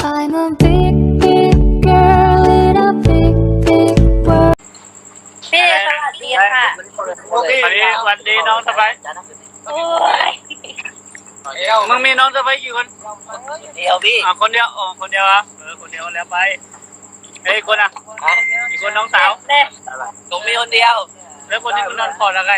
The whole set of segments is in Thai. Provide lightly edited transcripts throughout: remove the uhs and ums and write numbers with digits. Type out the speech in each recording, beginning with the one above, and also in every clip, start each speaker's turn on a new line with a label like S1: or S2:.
S1: I'm a big, big girl in a big, big world.
S2: พี่สวัสดีค่ะ
S3: วันดีน้องสบาย
S2: โอ้ย
S3: มึงมีน้องสบายกี่คน
S4: เดียวพี่
S3: คนเดียวคนเดียวอ่ะคนเดียวแล้วไปเฮ้ยคนอ่ะอีกคนน้องสาว
S2: เน่
S4: ผมมีคนเดียว
S3: แล้วคนที่คุณนอนกอดอะไร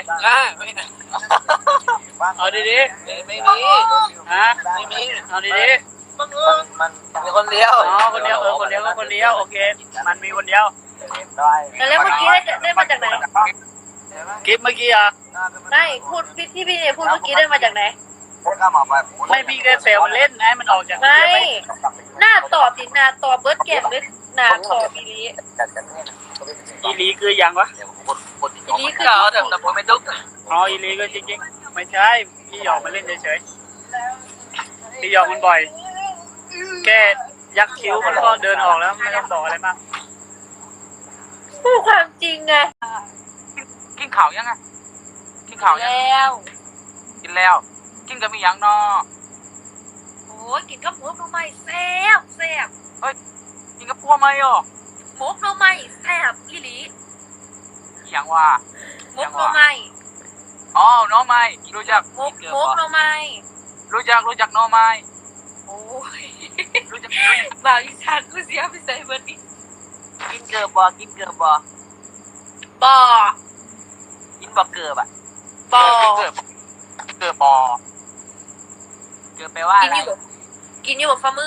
S3: เอาดี
S4: ไม่มี
S3: ๆฮะ
S4: ไม่มี
S3: เอาดี
S4: มันมีคนเดียว
S3: ๆคนเดียวคนเดียวก็คนเดียวโอเคมันมีคนเดียว
S2: แล้วเมื่อกี้ได้มาจากไหน
S3: คลิปเมื่อกี้อ่ะ
S2: ไม่พูดพี่เนี่ยพูดเมื่อกี้ได้มาจากไหน
S3: ไม่พี่แค่เซลเล่นให้มันออกจาก
S2: ไม่หน้าต่อติดหน้าต่อเบิร์ดแก่นหรือหน้าต่อบีรี
S3: อีลีคือยังวะ
S2: อีลีคือ
S4: แต่ผมไม่ดุ๊ก
S3: อีลีก็จริงๆไม่ใช่พี่หยอกมาเล่นเฉยๆพี่หยอกมันบ่อยแค่ยักคิ้วมันก็เดินออกแล้วไม่ต้องบอกอะไรมาก
S2: พูดความจริงไง
S5: กินข่าวยังไงกินข่าวยัง
S2: แล้ว
S5: กินแล้ว กินกับมีหยังนอ
S2: โอ้ยกินกับหมกหน่อไม้แซ่บแซ่บ
S5: กินกับพัวไหมอ่ะ
S2: หมกหน่อไม้แซ่บอีหลี
S5: หยังว่า
S2: หมกหน่อไม้
S5: อ๋อน้องไม้รู้จัก
S2: หมกหน่อไม้
S5: รู้จักน้องไม้
S2: โอ้ย
S5: รู้จัก
S2: บ่าวอีสานกูเสียไปใส่เบิร์ดนี่
S4: กินเกลือบ่กินเกลือบ่
S2: บ่อ
S4: กินบ่เกลือบ่
S2: บ่อ
S5: เกิดบอ
S4: เกลือแปลว่า
S2: กิ
S4: อะ
S2: น
S4: ไร
S2: อยู่กินอยู่บ่ฝ่ามือ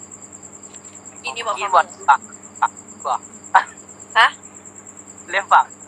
S2: กินอยู่บ่
S4: กิน
S2: ฝ่า
S4: บ่
S2: มือ
S4: ฝักบ่
S2: ฮะ
S4: เลี้ยงฝัก